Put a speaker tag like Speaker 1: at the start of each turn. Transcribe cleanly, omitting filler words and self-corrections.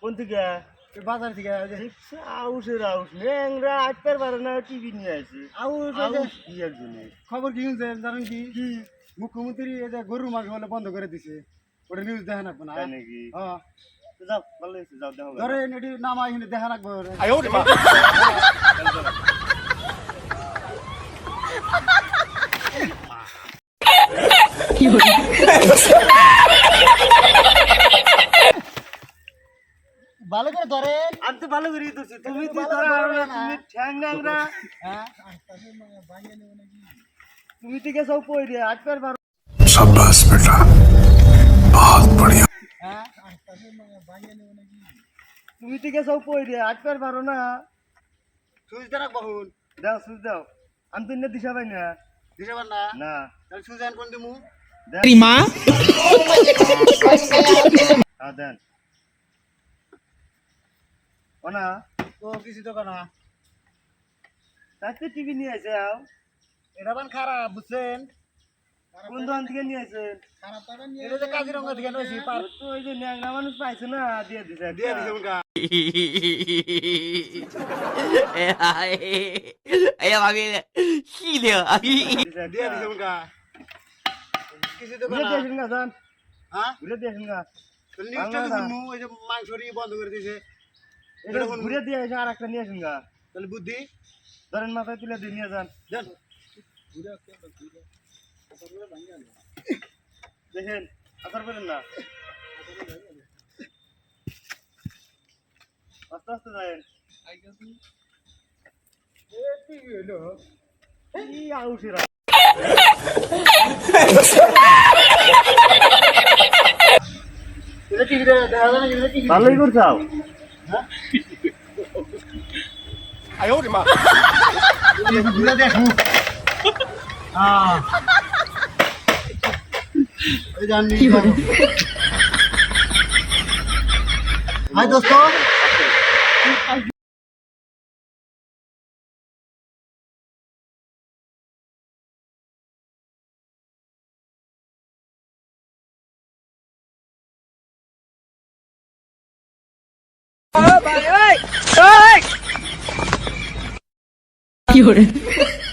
Speaker 1: কোন থেকে?
Speaker 2: বাজার থেকে
Speaker 1: আউসের আউস ন্যাংরা আটটার পারে না টিভি নিয়ে আসে।
Speaker 2: আউস
Speaker 1: কি একজনে
Speaker 2: খবর কি শুনছেন জানেন কি মুখ্যমন্ত্রী এই যে গরুর মাংস বলে বন্ধ করে দিছে ওটা নিউজ দেখা রাখবো না
Speaker 1: তাই নাকি?
Speaker 2: হ্যাঁ
Speaker 1: তো যাও ভালো হয়েছে, যাও দেখো
Speaker 2: ধরেন এটি নামা এখানে দেখা রাখবো ভালো করে ধরেন।
Speaker 1: আমি তো ভালো করেই ধরছি, তুমি তো ধরা হারো না, তুমি ঠ্যাং ন্যাংরা।
Speaker 2: হ্যাঁ
Speaker 1: তুমি থেকে সব পই রে আটটার পারো।
Speaker 3: शाबाश बेटा बहुत बढ़िया।
Speaker 2: হ্যাঁ
Speaker 1: তুমি থেকে সব পই রে আটটার পারো না।
Speaker 2: সুইচ দেখ বহুন
Speaker 1: দাও সুজ দাও, আমি তো ইন্না দিশা পাই না।
Speaker 2: দিতে পার না
Speaker 1: না
Speaker 2: তাহলে সুইচ আন কোন দিমু
Speaker 1: দেন। হ্যাঁ দেন ও না,
Speaker 2: তো কিছু তো না
Speaker 1: তাতে টিভি নিয়ে আসে আও।
Speaker 2: এটা বান খারাপ বুঝছেন
Speaker 1: কোন দোকান থেকে নিয়ে আসেন?
Speaker 2: এটা যে কাজিরঙ্গা থেকে নইছি পার
Speaker 1: তো ওই যে ন্যাংরা মানুষ পাইছে না, দিয়ে দিছে
Speaker 2: দিয়ে দিছে মুখা
Speaker 4: 哎呀妈逼的，细的，
Speaker 2: দিয়ে দিছে মুখা কিছু তো
Speaker 1: ঘুরে
Speaker 2: না
Speaker 1: দিয়েছেন গা যান,
Speaker 2: হ্যাঁ
Speaker 1: ঘুরে দিয়েছেন গা।
Speaker 2: তো নিউজটা তো শুনমু এই যে মাংসরি বন্ধ করে দিয়েছে
Speaker 1: এটা ঘুরে দিয়ে এসে আর একটা নিয়ে আসেন গা।
Speaker 2: তাহলে বুদ্ধি
Speaker 1: ধরেন মাথায় তুলে দিয়ে নিয়ে যান।
Speaker 2: দেন
Speaker 1: দেখেন আসার করেন না, আস্তে আস্তে যায়েন। এই আউসেরা
Speaker 2: এটা টিভিতে দেখা যায় না এটা টিভি
Speaker 1: ভালোই করছাও।
Speaker 2: ঘুরে দেখু হ্যাঁ এই জানি হাই দোস্ত
Speaker 4: 有人。